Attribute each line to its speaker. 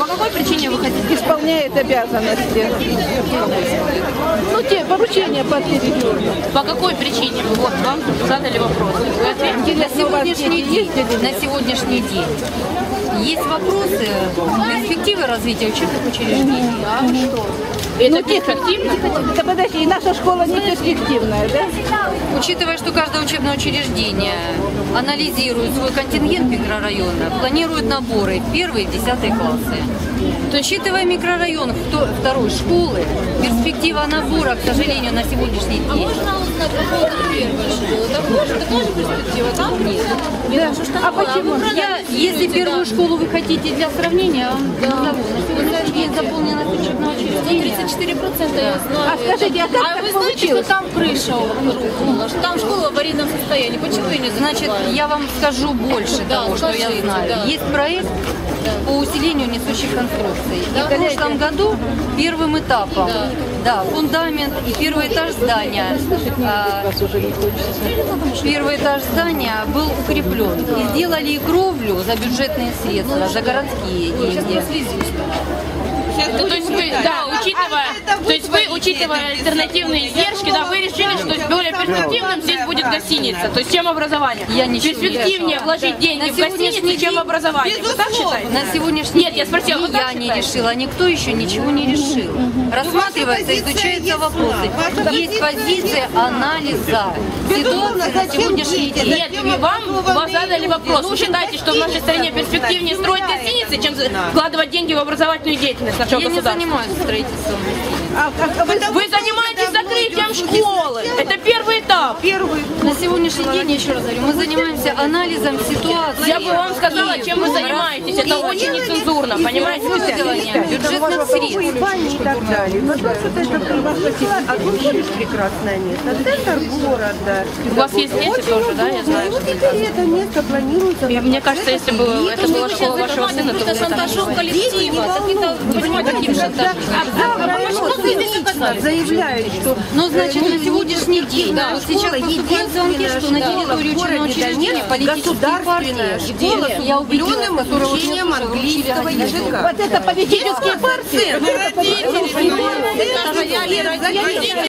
Speaker 1: по какой причине вы хотите?
Speaker 2: Исполняет обязанности. Ну, те поручения по региону.
Speaker 1: По какой причине? Вот вам задали вопрос. Вы ответите?
Speaker 3: На сегодняшний день есть вопросы перспективы развития учебных учреждений.
Speaker 1: А что? Это перспективно?
Speaker 2: Да подожди, и наша школа не перспективная, да?
Speaker 3: Учитывая, что каждое учебное учреждение анализирует свой контингент микрорайона, планирует наборы в 1 и 10 классы, то, учитывая микрорайон второй школы, перспектива набора, к сожалению, на сегодняшний день.
Speaker 1: А можно узнать по поводу первой школы? Такая же перспектива? Там нет.
Speaker 2: Да. А почему?
Speaker 3: Если первую школу вы хотите для сравнения, на сегодняшний день заполненность учебного учреждения
Speaker 1: 34% я знаю.
Speaker 2: А скажите, а как
Speaker 1: вы
Speaker 2: так
Speaker 1: знаете, что
Speaker 2: получилось?
Speaker 1: там крыша рухнула, что там школа в аварийном состоянии? Почему ее не
Speaker 3: Значит, я вам скажу больше того, что я знаю.
Speaker 1: да.
Speaker 3: Есть проект по усилению несущих конструкций. И в прошлом году первым этапом, фундамент и первый этаж здания, был укреплен. И сделали и кровлю за бюджетные средства, за городские деньги.
Speaker 1: То есть вы, учитывая альтернативные издержки, вы решили, что более перспективным здесь будет гостиница, то есть чем образование?
Speaker 3: Я ничего не
Speaker 1: перспективнее
Speaker 3: решала.
Speaker 1: вложить деньги в гостиницу, чем в образование. Вы так считаете?
Speaker 3: На сегодняшний
Speaker 1: Нет, я спросила,
Speaker 3: день
Speaker 1: вы
Speaker 3: ни
Speaker 1: как
Speaker 3: я не
Speaker 1: считаете?
Speaker 3: решила, никто еще ничего не решил. Рассматривается, изучаются вопросы. Есть позиция анализа ситуации на сегодняшний день.
Speaker 1: Нет, вам задали вопрос. Вы считаете, что в нашей стране перспективнее строить гостиницы, чем вкладывать деньги в образовательную деятельность нашего
Speaker 3: Я не
Speaker 1: государства?
Speaker 3: занимаюсь строительством.
Speaker 1: Вы занимаетесь закрытием школы. Это первый этап.
Speaker 3: На сегодняшний день, я еще раз говорю, мы занимаемся анализом ситуации.
Speaker 1: Я бы вам сказала, чем вы занимаетесь. Это очень нецензурно, понимаете?
Speaker 3: Бюджетных средств.
Speaker 4: И так далее. Вот а тут есть прекрасное место. Центр города.
Speaker 1: У вас есть дети тоже, да, я знаю.
Speaker 4: Вот теперь это место планируется.
Speaker 1: И мне кажется, если бы это была школа вашего сына, то вы бы
Speaker 4: шантажом коллектива.
Speaker 1: понимаете, каким шантажом?
Speaker 4: Заявляют, что
Speaker 3: Ну, значит, на сегодняшний день, вот сейчас поступает звонки, что на территории учебного учреждения политические партии, я убедилась, которые вот мне тоже вручили языка.
Speaker 2: Вот это политические партии.